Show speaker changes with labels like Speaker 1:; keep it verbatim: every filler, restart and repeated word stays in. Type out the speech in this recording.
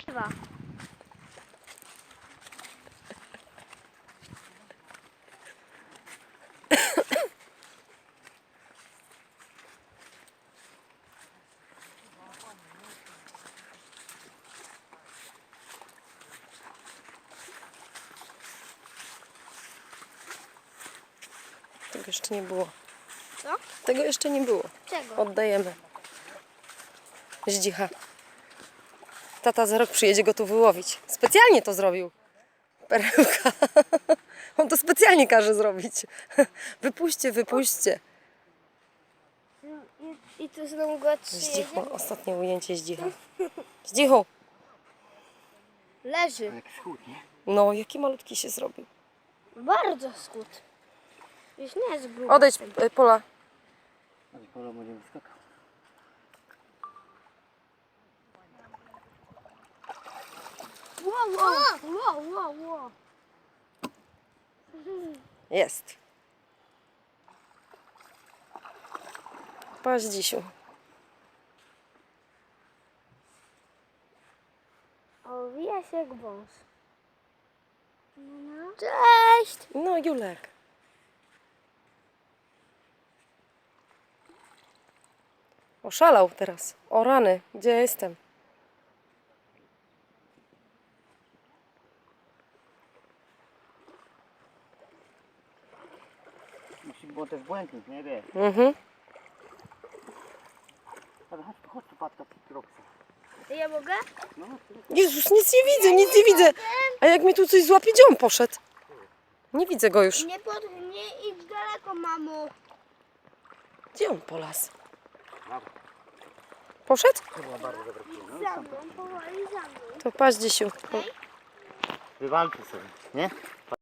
Speaker 1: Dwa.
Speaker 2: Tego jeszcze nie było.
Speaker 1: Co?
Speaker 2: Tego jeszcze nie było.
Speaker 1: Czego?
Speaker 2: Oddajemy. Zdzicha. Tata za rok przyjedzie go tu wyłowić. Specjalnie to zrobił. Perełka. On to specjalnie każe zrobić. Wypuśćcie, wypuśćcie.
Speaker 1: I, i tu znowu go przyjedzie?
Speaker 2: Zdzichu. Ostatnie ujęcie Zdzicha. Zdzichu.
Speaker 1: Leży.
Speaker 3: Jak schód, nie?
Speaker 2: No, jaki malutki się zrobił.
Speaker 1: Bardzo skut. Już nie jest gruby.
Speaker 2: Odejdź, y, Pola.
Speaker 3: Ale polo będzie wyskakał.
Speaker 1: Wow, wow, wow, wow, wow.
Speaker 2: Jest. Patrz, Dzisiu.
Speaker 1: Owija się jak wąż. Cześć!
Speaker 2: No, Julek. Oszalał teraz. O rany, gdzie ja jestem?
Speaker 3: Musi było też błękit, nie wie.
Speaker 2: Mhm.
Speaker 3: Ale chodź tu, chodź tu, patka, Troksa.
Speaker 1: Ja mogę?
Speaker 3: No,
Speaker 2: Jezus, nic nie widzę, nic nie widzę. A jak mnie tu coś złapie, gdzie on poszedł? Nie widzę go już.
Speaker 1: Nie, pod, nie idź daleko, mamo.
Speaker 2: Gdzie on polas? Poszedł?
Speaker 3: to była bardzo dobra przyjemność.
Speaker 1: Za mną, powoli za mną.
Speaker 2: To patrz, Dzisiu.
Speaker 3: Wywalczy sobie, nie?